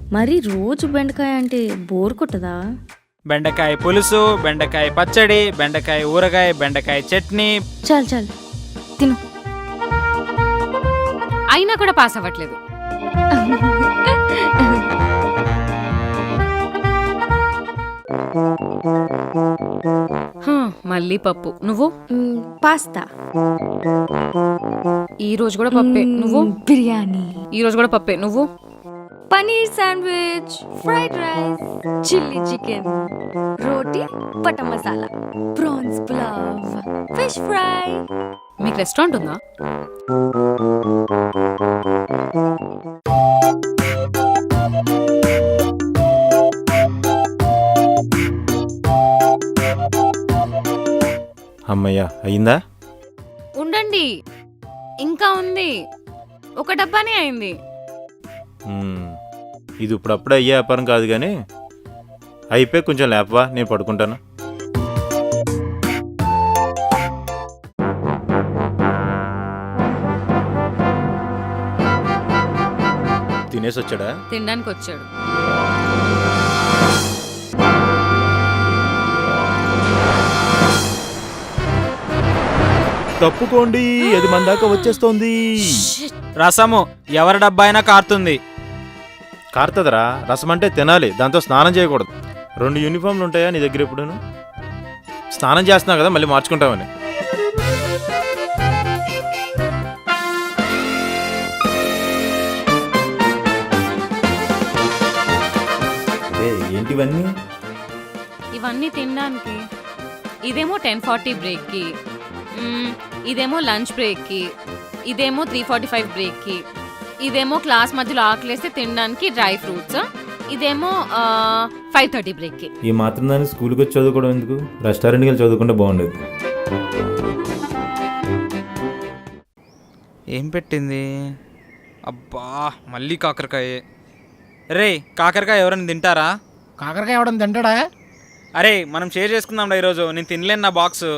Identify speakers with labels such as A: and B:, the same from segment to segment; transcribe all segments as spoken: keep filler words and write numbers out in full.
A: మరి రోజు బెండకాయ అంటే బోర్ కొట్టదా?
B: బెండకాయ పులుసు, బెండకాయ పచ్చడి, బెండకాయ ఊరగాయ, బెండకాయ చట్నీ.
A: చాలు చాలు తిను.
C: అయినా కూడా పాస్ అవ్వట్లేదు. మళ్ళీ పప్పు. నువ్వు?
A: పాస్తా.
C: ఈ రోజు కూడా పప్పే. నువ్వు?
A: బిర్యానీ.
C: ఈ రోజు కూడా పప్పే. నువ్వు?
A: Paneer sandwich, fried rice, chilli chicken, roti, butter masala, prawns pulao, fish fry.
C: మీకు రెస్టారెంట్ ఉందా?
D: అమ్మయ్యా, అయిందా?
C: ఉండండి, ఇంకా ఉంది. ఒక డబ్బానే అయింది.
D: ఇది ఇప్పుడప్పుడే అయ్యే వ్యాపారం కాదు కానీ అయిపోయి కొంచెం లేపవా, నేను పడుకుంటాను. తినేసి వచ్చాడా?
C: తినడానికి వచ్చాడు.
D: తప్పుకోండి, అది మన దాకా వచ్చేస్తోంది.
B: రసము ఎవరి డబ్బా అయినా కారుతుంది.
D: కారుతుందరా, రసం అంటే తినాలి, దాంతో స్నానం చేయకూడదు. రెండు యూనిఫామ్లు ఉంటాయా నీ దగ్గర? ఎప్పుడును స్నానం చేస్తున్నావు కదా, మళ్ళీ మార్చుకుంటామని. ఏంటివన్నీ?
C: ఇవన్నీ తినడానికి. ఇదేమో టెన్ ఫార్టీ బ్రేక్కి, ఇదేమో లంచ్ బ్రేక్కి, ఇదేమో త్రీ ఫార్టీ ఫైవ్ బ్రేక్కి, ఇదేమో క్లాస్ మధ్యలో ఆకలేస్తే తినడానికి డ్రై ఫ్రూట్స్, ఇదేమో ఫైవ్ థర్టీ బ్రేక్కి.
D: ఈ మాత్రం దాన్ని స్కూల్కి వచ్చి చదువుకోవడం ఎందుకు? రెస్టారెంట్కి వెళ్ళి చదువుకుంటే బాగుండేది.
B: ఏం పెట్టింది? అబ్బా, మళ్ళీ కాకరకాయ. రే, కాకరకాయ ఎవరైనా తింటారా?
E: కాకరకాయ ఎవడని తింటాడా?
B: అరే, మనం షేర్ చేసుకుందాం ఈరోజు. నేను తినలేను నా బాక్స్.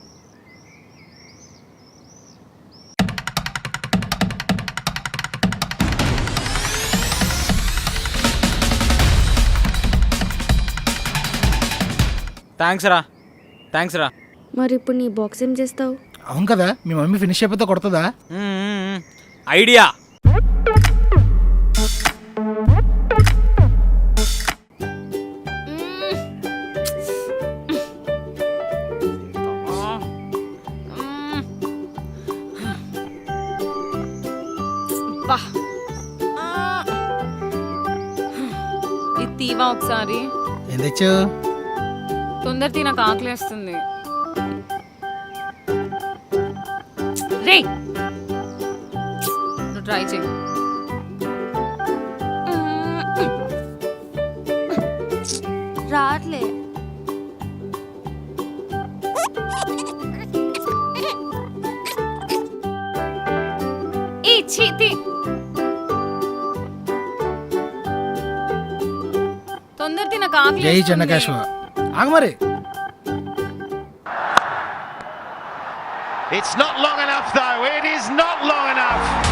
B: థ్యాంక్స్ రా, థ్యాంక్స్ రా.
A: మరి ఇప్పుడు నీ బాక్స్ ఏం చేస్తావు?
E: అవును కదా, మీ మమ్మీ ఫినిష్ అయిపోతే కొడుతుందా?
B: ఐడియా.
C: ఇది తీవా ఒకసారి.
E: ఏం తెచ్చావు?
C: తొందర తీ, నాకు ఆకలేస్తుంది. రే, నువ్వు ట్రై చేయి.
A: రాట్లే.
C: ఈ చీతి తొందర తీ, నాకు ఆకలి.
E: జై చెన్నకేశవ. ఆగ మరి.
F: It's not long enough though. It is not long enough.